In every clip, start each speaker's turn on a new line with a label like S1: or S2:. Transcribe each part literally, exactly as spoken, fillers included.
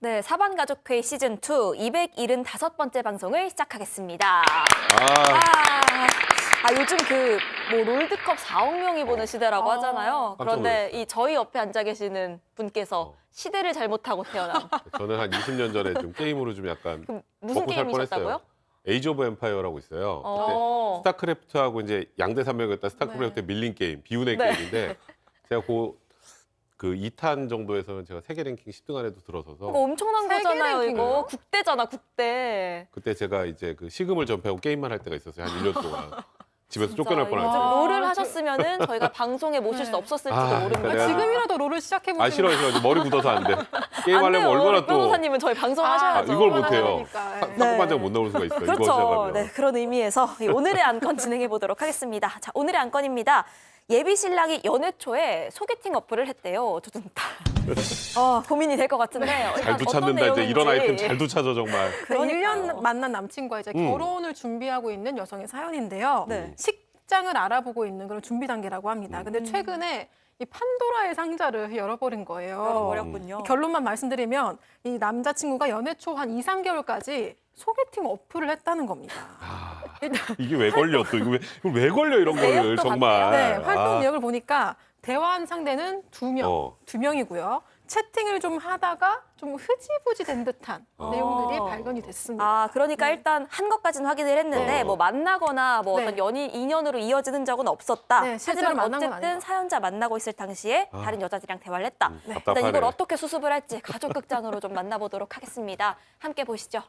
S1: 네, 사반가족회의 시즌 투 이백칠십오 번째 방송을 시작하겠습니다.
S2: 아,
S1: 아, 아 요즘 그 뭐 롤드컵 사억 명이 보는 시대라고
S3: 아,
S1: 하잖아요. 그런데
S2: 놀랐어요.
S1: 이 저희 옆에 앉아 계시는 분께서
S2: 어.
S1: 시대를 잘못하고 태어난
S2: 저는 한 이십 년 전에 좀 게임으로 좀 약간
S1: 그 무슨
S2: 먹고 살
S1: 게임이셨다고요?
S2: 뻔했어요. 에이지 오브 엠파이어라고 있어요. 그때
S1: 어.
S2: 스타크래프트하고 이제 양대 산맥이었다 스타크래프트
S3: 네.
S2: 밀린 게임, 비운의
S1: 네.
S2: 게임인데 제가 그, 그 이 탄 정도에서는 제가 세계 랭킹 십 등 안에도 들어서서
S1: 이거 엄청난
S3: 세계
S1: 거잖아요.
S3: 랭킹이요?
S1: 이거 국대잖아, 국대.
S2: 그때 제가 이제 그 시금을 전폐하고 게임만 할 때가 있었어요. 한 일 년 동안. 집에서
S3: 진짜
S2: 쫓겨날
S3: 이거-
S1: 요즘
S2: 뻔했죠.
S3: 아,
S1: 롤을
S3: 그-
S1: 하셨으면은 저희가 방송에 모실 수
S3: 네.
S1: 없었을지도
S2: 아,
S1: 모르는
S2: 그러니까
S1: 거죠.
S2: 내가-
S3: 지금이라도 롤을 시작해 보시면
S2: 아 싫어 싫어 머리 굳어서 안 돼. 게임
S1: 안
S2: 하려면
S1: 돼요.
S2: 얼마나 또
S1: 변호사님은 저희 방송하셔야죠.
S2: 아, 이걸 못해요.
S3: 네.
S2: 상반장 못 나올 수가 있어. 이거
S1: 그렇죠.
S2: 시작하면.
S1: 네, 그런 의미에서 이 오늘의 안건 진행해 보도록 하겠습니다. 자, 오늘의 안건입니다. 예비 신랑이 연애 초에 소개팅 어플을 했대요. 두둥다. 어, 고민이 될 것 같은데 일단
S2: 잘도
S1: 어떤
S2: 찾는다 이제 이런
S1: 내용인지.
S2: 아이템 잘도 찾아 정말.
S3: 그
S1: 그러니까요.
S3: 일 년 만난 남친과 이제
S2: 음.
S3: 결혼을 준비하고 있는 여성의 사연인데요.
S1: 네.
S3: 식장을 알아보고 있는 그런 준비 단계라고 합니다. 근데 최근에 이 판도라의 상자를 열어버린 거예요.
S1: 열어버렸군요.
S3: 결론만 말씀드리면 이 남자친구가 연애 초 한 이, 삼 개월까지 소개팅 어플을 했다는 겁니다.
S2: 아,
S3: 일단
S2: 이게 왜 걸려 또 이거 왜, 이걸 왜 걸려 이런 거를
S1: 내역도
S2: 정말.
S3: 네, 활동
S2: 아,
S3: 내역을 보니까 대화한 상대는 두 명,
S2: 어.
S3: 두 명이고요. 채팅을 좀 하다가 좀 흐지부지 된 듯한
S2: 어.
S3: 내용들이 발견이 됐습니다.
S1: 아, 그러니까 일단 한 것까지는 확인을 했는데
S2: 네.
S1: 뭐 만나거나 뭐
S3: 네.
S1: 어떤 연인 인연으로 이어지는 적은 없었다.
S3: 네, 실제로
S1: 하지만
S3: 만난 건
S1: 어쨌든
S3: 아니고.
S1: 사연자 만나고 있을 당시에
S2: 아.
S1: 다른 여자들이랑 대화를 했다.
S2: 음,
S1: 일단
S2: 답답하네.
S1: 이걸 어떻게 수습을 할지 가족 극장으로 좀 만나보도록 하겠습니다. 함께 보시죠.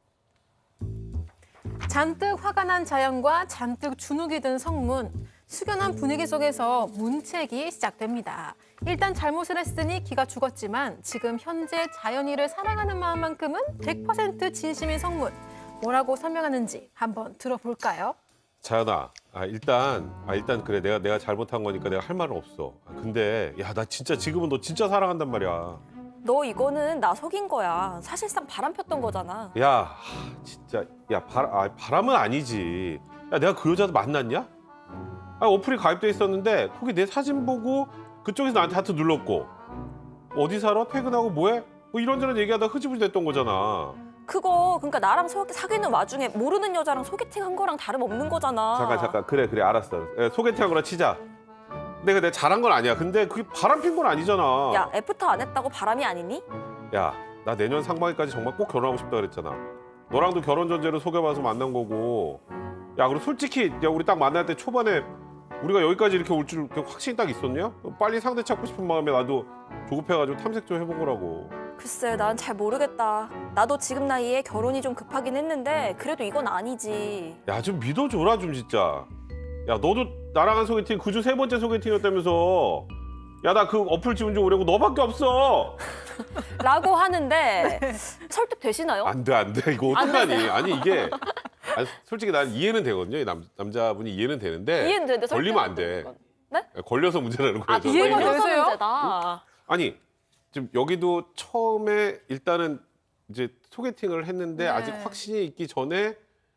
S3: 잔뜩 화가 난 자연과 잔뜩 주눅이 든 성문. 숙연한 분위기 속에서 문책이 시작됩니다. 일단 잘못을 했으니 기가 죽었지만 지금 현재 자연이를 사랑하는 마음만큼은 백 퍼센트 진심인 성문. 뭐라고 설명하는지 한번 들어볼까요?
S2: 자연아, 아 일단 아 일단 그래 내가 내가 잘못한 거니까 내가 할 말은 없어. 아, 근데 야 나 진짜 지금은 너 진짜 사랑한단 말이야.
S1: 너 이거는 나 속인 거야. 사실상 바람 폈던 거잖아.
S2: 야 하, 진짜 야 바람 아, 바람은 아니지. 야 내가 그 여자도 만났냐? 아 어플이 가입돼 있었는데 거기 내 사진 보고 그쪽에서 나한테 하트 눌렀고 어디 살아? 퇴근하고 뭐해? 뭐 이런저런 얘기하다 흐지부지 됐던 거잖아.
S1: 그거 그러니까 나랑 소, 사귀는 와중에 모르는 여자랑 소개팅한 거랑 다름없는 거잖아.
S2: 잠깐 잠깐 그래 그래 알았어. 예, 소개팅한 거나 치자. 내가 내가 잘한 건 아니야. 근데 그게 바람 핀 건 아니잖아.
S1: 야, 애프터 안 했다고 바람이 아니니?
S2: 야, 나 내년 상반기까지 정말 꼭 결혼하고 싶다 그랬잖아. 너랑도 결혼 전제로 소개받아서 만난 거고. 야, 그리고 솔직히 야 우리 딱 만날 때 초반에 우리가 여기까지 이렇게 올 줄 확신이 딱 있었냐? 빨리 상대 찾고 싶은 마음에 나도 조급해가지고 탐색 좀 해본 거라고.
S1: 글쎄, 난 잘 모르겠다. 나도 지금 나이에 결혼이 좀 급하긴 했는데 그래도 이건 아니지.
S2: 야, 좀 믿어줘라 좀 진짜. 야, 너도 나랑 한 소개팅 그 주 세 번째 소개팅이었다면서. 야, 나 그 어플 지운 지 오래고 너밖에 없어.
S1: 라고 하는데 설득되시나요?
S2: 안 돼, 안 돼. 이거 어떡하니? 아니 이게 아니, 솔직히 난 이해는 되거든요. 이 남, 남자분이 이해는 되는데
S1: 이해는 되는데
S2: 걸리면 안 돼.
S1: 설득은 네?
S2: 걸려서 문제라는
S1: 아,
S2: 거예요. 저는.
S3: 이해가
S1: 이해가
S3: 되세요?
S1: 문제다.
S2: 아니 지금 여기도 처음에 일단은 이제 소개팅을 했는데
S3: 네.
S2: 아직 확신이 있기 전에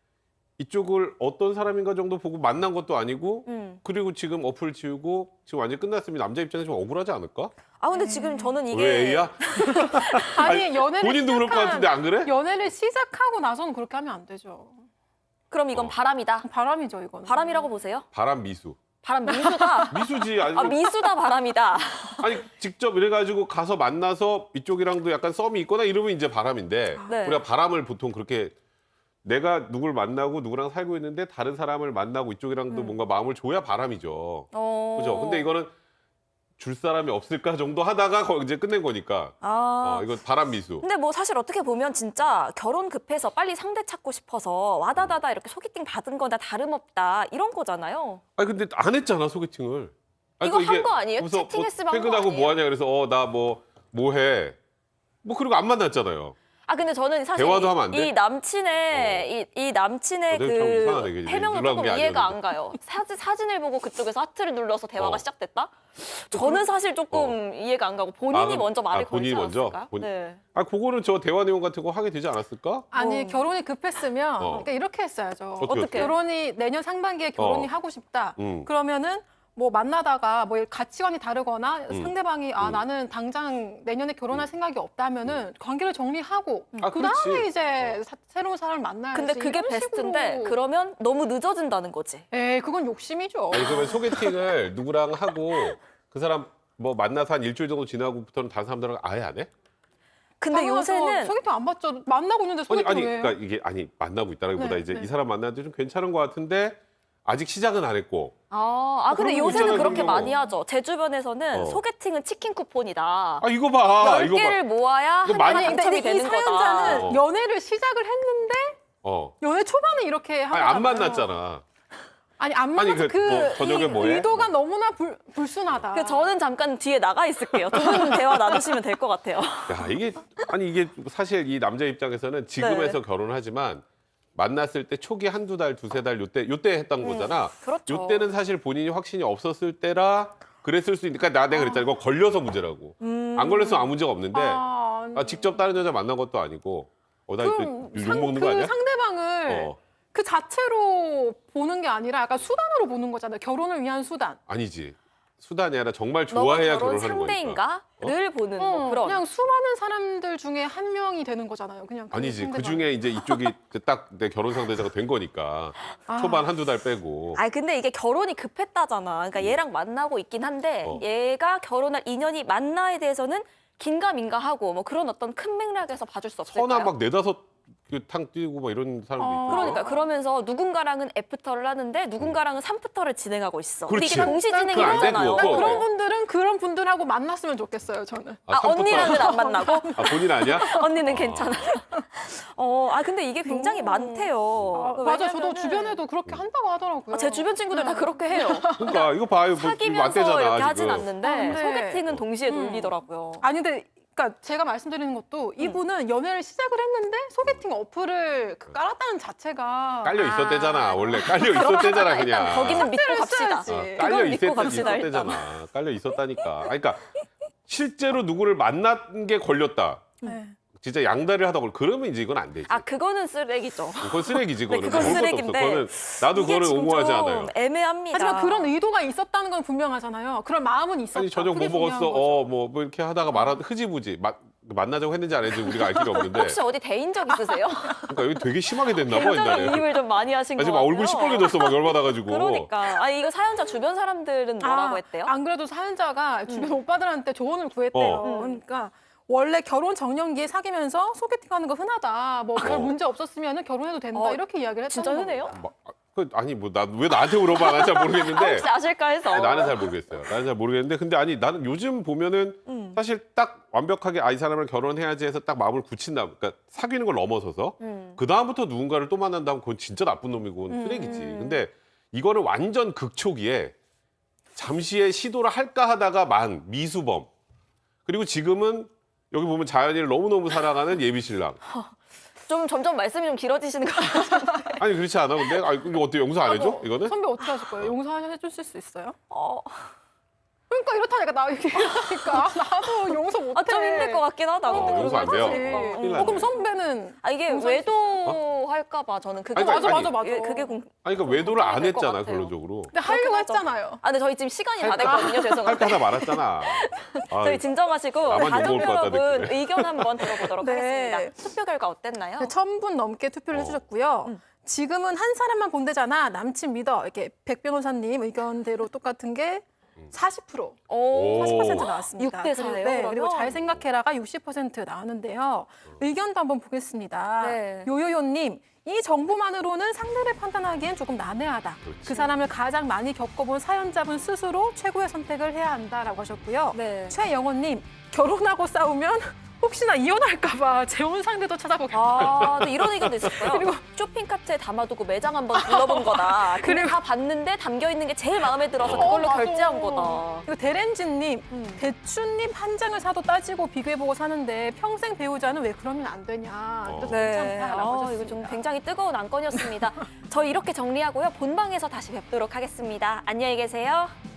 S2: 이쪽을 어떤 사람인가 정도 보고 만난 것도 아니고
S1: 음.
S2: 그리고 지금 어플 지우고 지금 완전히 끝났으면 남자 입장에서 좀 억울하지 않을까?
S1: 아, 근데 지금 저는 이게
S2: 왜 A야?
S3: 아니, 연애를
S2: 본인도 그럴 것
S3: 시작한-
S2: 같은데 안 그래?
S3: 연애를 시작하고 나서는 그렇게 하면 안 되죠.
S1: 그럼 이건
S2: 어.
S1: 바람이다.
S3: 바람이죠, 이거는.
S1: 바람이라고 보세요?
S2: 바람 미수.
S1: 바람 미수다.
S2: 미수지. 아니,
S1: 아, 미수다 바람이다.
S2: 아니 직접 이래가지고 가서 만나서 이쪽이랑도 약간 썸이 있거나 이러면 이제 바람인데
S1: 네.
S2: 우리가 바람을 보통 그렇게 내가 누굴 만나고 누구랑 살고 있는데 다른 사람을 만나고 이쪽이랑도
S1: 음.
S2: 뭔가 마음을 줘야 바람이죠.
S1: 어.
S2: 그죠? 근데 이거는 줄 사람이 없을까 정도 하다가 거- 이제 끝낸 거니까.
S1: 아.
S2: 어, 이거 바람 미수.
S1: 근데 뭐 사실 어떻게 보면 진짜 결혼 급해서 빨리 상대 찾고 싶어서 와다다다 이렇게 소개팅 받은 거나 다름없다 이런 거잖아요.
S2: 아니 근데 안 했잖아 소개팅을. 아니,
S1: 이거
S2: 그러니까
S1: 한 거 아니에요?
S2: 그래서
S1: 채팅했으면
S2: 뭐
S1: 한거
S2: 퇴근하고
S1: 아니에요?
S2: 뭐 하냐 그래서 어 나 뭐 뭐 해. 뭐 그리고 안 만났잖아요.
S1: 아 근데 저는 사실
S2: 대화도
S1: 이,
S2: 하면 안 돼?
S1: 이 남친의 이, 이 남친의
S2: 어, 내가 참 이상하네,
S1: 그
S2: 이게.
S1: 해명은
S2: 놀라운
S1: 조금
S2: 게
S1: 이해가
S2: 아니었는데.
S1: 안 가요. 사진 사진을 보고 그쪽에서 하트를 눌러서 대화가
S2: 어.
S1: 시작됐다? 저는 사실 조금 이해가 안 가고 본인이
S2: 아, 그럼-
S1: 먼저 말을
S2: 아, 본인이
S1: 걸지
S2: 먼저?
S1: 않았을까요?
S2: 본-
S1: 네.
S2: 아 그거는 저 대화 내용 같은 거 하게 되지 않았을까?
S3: 아니,
S1: 어.
S3: 결혼이 급했으면
S2: 어.
S3: 그러니까 이렇게 했어야죠.
S2: 어떻게, 어떻게?
S3: 결혼이 내년 상반기에 결혼이
S2: 어.
S3: 하고 싶다.
S2: 음.
S3: 그러면은 뭐 만나다가 뭐 가치관이 다르거나
S2: 음.
S3: 상대방이 아
S2: 음.
S3: 나는 당장 내년에 결혼할 생각이 없다면은 관계를 정리하고
S2: 아,
S3: 그 다음에
S2: 그렇지.
S3: 이제 사- 새로운 사람을 만나야지.
S1: 근데 그게
S3: 이런
S1: 베스트인데
S3: 식으로.
S1: 그러면 너무 늦어진다는 거지.
S3: 에이 그건 욕심이죠.
S2: 아니 그러면 소개팅을 누구랑 하고 그 사람 뭐 만나서 한 일주일 정도 지나고부터는 다른 사람들랑 아예 안 해?
S1: 근데
S3: 당연하죠.
S1: 요새는
S3: 소개팅 안 받죠. 만나고 있는데
S2: 아니
S3: 소개팅
S2: 아니
S3: 왜 해요?
S2: 그러니까 이게 아니 만나고 있다라기보다
S3: 네,
S2: 이제
S3: 네.
S2: 이 사람 만나는데 좀 괜찮은 것 같은데 아직 시작은 안 했고.
S1: 아, 아 근데
S2: 그런 거
S1: 요새는
S2: 있잖아요,
S1: 그렇게
S2: 그런 거.
S1: 많이 하죠. 제 주변에서는
S2: 어.
S1: 소개팅은 치킨 쿠폰이다.
S2: 아 이거 봐.
S1: 열
S2: 이거 봐.
S1: 개를 모아야
S2: 이거
S1: 한
S2: 많이-
S1: 개가
S3: 아니,
S1: 당첨이
S3: 근데 이
S1: 되는 거다.
S3: 사연자는
S2: 어.
S3: 연애를 시작을 했는데
S2: 어.
S3: 연애 초반에 이렇게 하고
S2: 아니 안 만났잖아.
S3: 아니 안
S2: 아니,
S3: 만나서
S2: 그
S3: 그,
S2: 뭐 저녁에
S3: 이-
S2: 뭐해?
S3: 의도가 너무나 불, 불순하다.
S1: 그 저는 잠깐 뒤에 나가 있을게요. 두 분 대화 나누시면 될 것 같아요.
S2: 야 이게 아니 이게 사실 이 남자 입장에서는 지금에서
S1: 네.
S2: 결혼을 하지만 만났을 때 초기 한두 달, 두세 달 요때 요때 했던 거잖아.
S1: 그렇죠.
S2: 요때는 사실 본인이 확신이 없었을 때라 그랬을 수 있으니까 나 내가 그랬잖아. 이거 걸려서 문제라고.
S1: 음.
S2: 안 걸렸으면 아무 문제가 없는데
S3: 아,
S2: 아, 직접 다른 여자 만난 것도 아니고 어나
S3: 그럼
S2: 욕
S3: 상-
S2: 먹는
S3: 그
S2: 거 아니야?
S3: 상대방을
S2: 어
S3: 그 자체로 보는 게 아니라 약간 수단으로 보는 거잖아요. 결혼을 위한 수단.
S2: 아니지. 수단이 아니라 정말
S1: 너가
S2: 좋아해야
S1: 결혼
S2: 결혼하는 거니까.
S1: 상대인가?를 보는
S3: 어,
S1: 뭐 그런.
S3: 그냥 수많은 사람들 중에 한 명이 되는 거잖아요. 그냥 그
S2: 아니지. 그
S3: 상대방이.
S2: 중에 이제 이쪽이 딱 내 결혼 상대자가 된 거니까
S3: 아.
S2: 초반 한두 달 빼고.
S1: 아 근데 이게 결혼이 급했다잖아. 그러니까 얘랑 만나고 있긴 한데
S2: 어.
S1: 얘가 결혼할 인연이 맞나에 대해서는 긴가민가하고 뭐 그런 어떤 큰 맥락에서 봐줄 수 없을까요?
S2: 서나 막 네다섯 그 탕 뛰고 막 이런 사람도
S3: 어.
S2: 있고.
S1: 그러니까 그러면서 누군가랑은 애프터를 하는데 누군가랑은 삼프터를 진행하고 있어. 근데
S2: 그렇지.
S1: 이게 동시
S3: 난
S1: 진행이
S2: 그거 안 되고,
S1: 되잖아요.
S2: 그거
S3: 그런
S2: 네.
S3: 분들은 그런 분들하고 만났으면 좋겠어요. 저는.
S1: 아,
S2: 삼부터-
S1: 언니랑은 안 만나고
S2: 아 본인 아니야?
S1: 언니는 괜찮아. 어, 아 근데 이게 굉장히
S3: 너무-
S1: 많대요.
S3: 아, 맞아. 저도
S1: 왜냐면은
S3: 주변에도 그렇게 한다고 하더라고요.
S1: 아, 제 주변 친구들 다
S3: 네.
S1: 그렇게 해요.
S2: 그러니까 이거 봐요. 뭐, 이거 안
S1: 사귀면서
S2: 되잖아,
S1: 이렇게
S2: 지금.
S1: 하진 않는데
S3: 아, 근데-
S1: 소개팅은 동시에
S3: 음.
S1: 돌리더라고요.
S3: 아니 근데 그러니까 제가 말씀드리는 것도 이분은 연애를 시작을 했는데 소개팅 어플을 그 깔았다는 자체가
S2: 깔려 있었대잖아.
S1: 아.
S2: 원래 깔려 있었대잖아 그냥.
S1: 일단 거기는 믿고 갑시다.
S3: 했어야지.
S2: 어,
S3: 그건
S2: 깔려
S1: 믿고
S2: 있었,
S1: 갑시다,
S2: 있었대잖아. 깔려 있었다니까. 아니, 그러니까 실제로 누구를 만난 게 걸렸다.
S3: 네.
S2: 진짜 양다리를 하다 걸 그러면 이제 이건 안 되지.
S1: 아 그거는 쓰레기죠.
S2: 그건 쓰레기지
S1: 네,
S2: 그거는.
S1: 그건
S2: 먹을 것도
S1: 쓰레기인데
S2: 없어. 그거는 나도
S1: 이게
S2: 그거를
S1: 지금
S2: 옹호하지
S1: 좀
S2: 않아요.
S1: 애매합니다.
S3: 하지만 그런 의도가 있었다는 건 분명하잖아요. 그런 마음은 있었다.
S2: 아니 저녁 뭐
S3: 그게 중요한
S2: 먹었어?
S3: 거죠.
S2: 어 뭐 뭐 이렇게 하다가 말하 흐지부지 마, 만나자고 했는지 안 했는지 우리가 알 길이 없는데.
S1: 혹시 어디 대인 적 있으세요?
S2: 그러니까 여기 되게 심하게 됐나 봐
S1: 굉장히
S2: 옛날에.
S1: 이입을 좀 많이 하신
S2: 아,
S1: 것
S2: 지금
S1: 같아요.
S2: 얼굴 시뻘개졌어 막 열받아가지고.
S1: 그러니까. 아니 이거 사연자 주변 사람들은 뭐라고
S3: 아,
S1: 했대요?
S3: 안 그래도 사연자가 주변 오빠들한테 조언을 구했대요.
S2: 어.
S3: 그러니까 원래 결혼 정년기에 사귀면서 소개팅하는 거 흔하다. 뭐 별
S2: 어.
S3: 문제 없었으면 결혼해도 된다.
S1: 어,
S3: 이렇게 이야기를 했다는
S1: 진짜 흔해요?
S3: 겁니다.
S2: 막, 그, 아니 뭐 나 왜 나한테 물어봐? 난 잘 모르겠는데.
S1: 혹시 아실까 해서.
S2: 아니, 나는 잘 모르겠어요. 나는 잘 모르겠는데 근데 아니 나는 요즘 보면은
S1: 음.
S2: 사실 딱 완벽하게 아 이 사람을 결혼해야지 해서 딱 마음을 굳힌다. 그러니까 사귀는 걸 넘어서서
S1: 음.
S2: 그 다음부터 누군가를 또 만난다면 그건 진짜 나쁜 놈이고 그건
S1: 음.
S2: 쓰레기지. 근데 이거는 완전 극초기에 잠시의 시도를 할까 하다가 만 미수범. 그리고 지금은 여기 보면 자연이를 너무너무 사랑하는 예비 신랑.
S1: 좀 점점 말씀이 좀 길어지시는 것 같아요.
S2: 아니 그렇지 않아? 근데 아 이거 어때 용서 안 해줘?
S3: 뭐,
S2: 이거는?
S3: 선배 어떻게 하실 거예요? 용서해 주실 수 있어요?
S1: 어,
S3: 그러니까 이렇다니까 나 이렇게 이러니까 나도 용서 못해.
S1: 아, 좀 힘들 것 같긴 하다. 근데
S2: 어,
S1: 그런
S2: 용서 안
S1: 거
S2: 돼요.
S1: 하지.
S3: 어,
S2: 큰일
S3: 어, 그럼
S2: 났네.
S3: 선배는
S1: 아 이게
S3: 용서할 수
S1: 외도할까 봐 저는 그게
S2: 아니, 그러니까
S3: 맞아
S2: 아니,
S3: 맞아 맞아.
S1: 그게, 그게 공...
S2: 아니 그러니까 외도를 안
S1: 될것
S2: 했잖아
S1: 같아요.
S2: 결론적으로.
S3: 근데 하려고
S1: 그렇긴 하죠.
S3: 했잖아요.
S1: 아 근데 저희 지금 시간이 다
S2: 할까?
S1: 됐거든요.
S2: 할까
S1: 죄송한데.
S2: 하다 말았잖아. 아,
S1: 저희 진정하시고
S2: 나만
S1: 가족
S2: 욕먹을 것 같다,
S1: 여러분
S2: 느낌에.
S1: 의견 한번 들어보도록
S3: 네.
S1: 하겠습니다. 투표 결과 어땠나요?
S3: 네, 천 분 넘게 투표를
S2: 어.
S3: 해주셨고요.
S1: 음.
S3: 지금은 한 사람만 본대잖아. 남친 믿어. 이렇게 백 변호사님 의견대로 똑같은 게 사십 퍼센트,
S1: 오,
S3: 사십 퍼센트 나왔습니다.
S1: 육 대 사예요,
S3: 그리고, 네,
S1: 그러면?
S3: 그리고 잘 생각해라가 육십 퍼센트 나왔는데요. 의견도 한번 보겠습니다.
S1: 네.
S3: 요요요님. 이 정보만으로는 상대를 판단하기엔 조금 난해하다.
S2: 그렇지.
S3: 그 사람을 가장 많이 겪어본 사연자분 스스로 최고의 선택을 해야 한다라고 하셨고요.
S1: 네.
S3: 최영호님, 결혼하고 싸우면 혹시나 이혼할까봐 재혼 상대도 찾아보겠다.
S1: 아, 근데 이런 의견도 있었어요. 그리고 쇼핑카트에 담아두고 매장 한번 둘러본 거다. 근데
S3: 그리고-
S1: 다 봤는데 담겨 있는 게 제일 마음에 들어서
S3: 어,
S1: 그걸로
S3: 맞아.
S1: 결제한 거다.
S3: 그리고 대렌지님,
S1: 음.
S3: 대추잎 한 장을 사도 따지고 비교해보고 사는데 평생 배우자는 왜 그러면 안 되냐.
S2: 어.
S3: 그래서
S1: 네,
S3: 괜찮다라고
S1: 아,
S3: 하셨습니다.
S1: 이거 좀 굉장히 뜨거운 안건이었습니다. 저희 이렇게 정리하고요. 본방에서 다시 뵙도록 하겠습니다. 안녕히 계세요.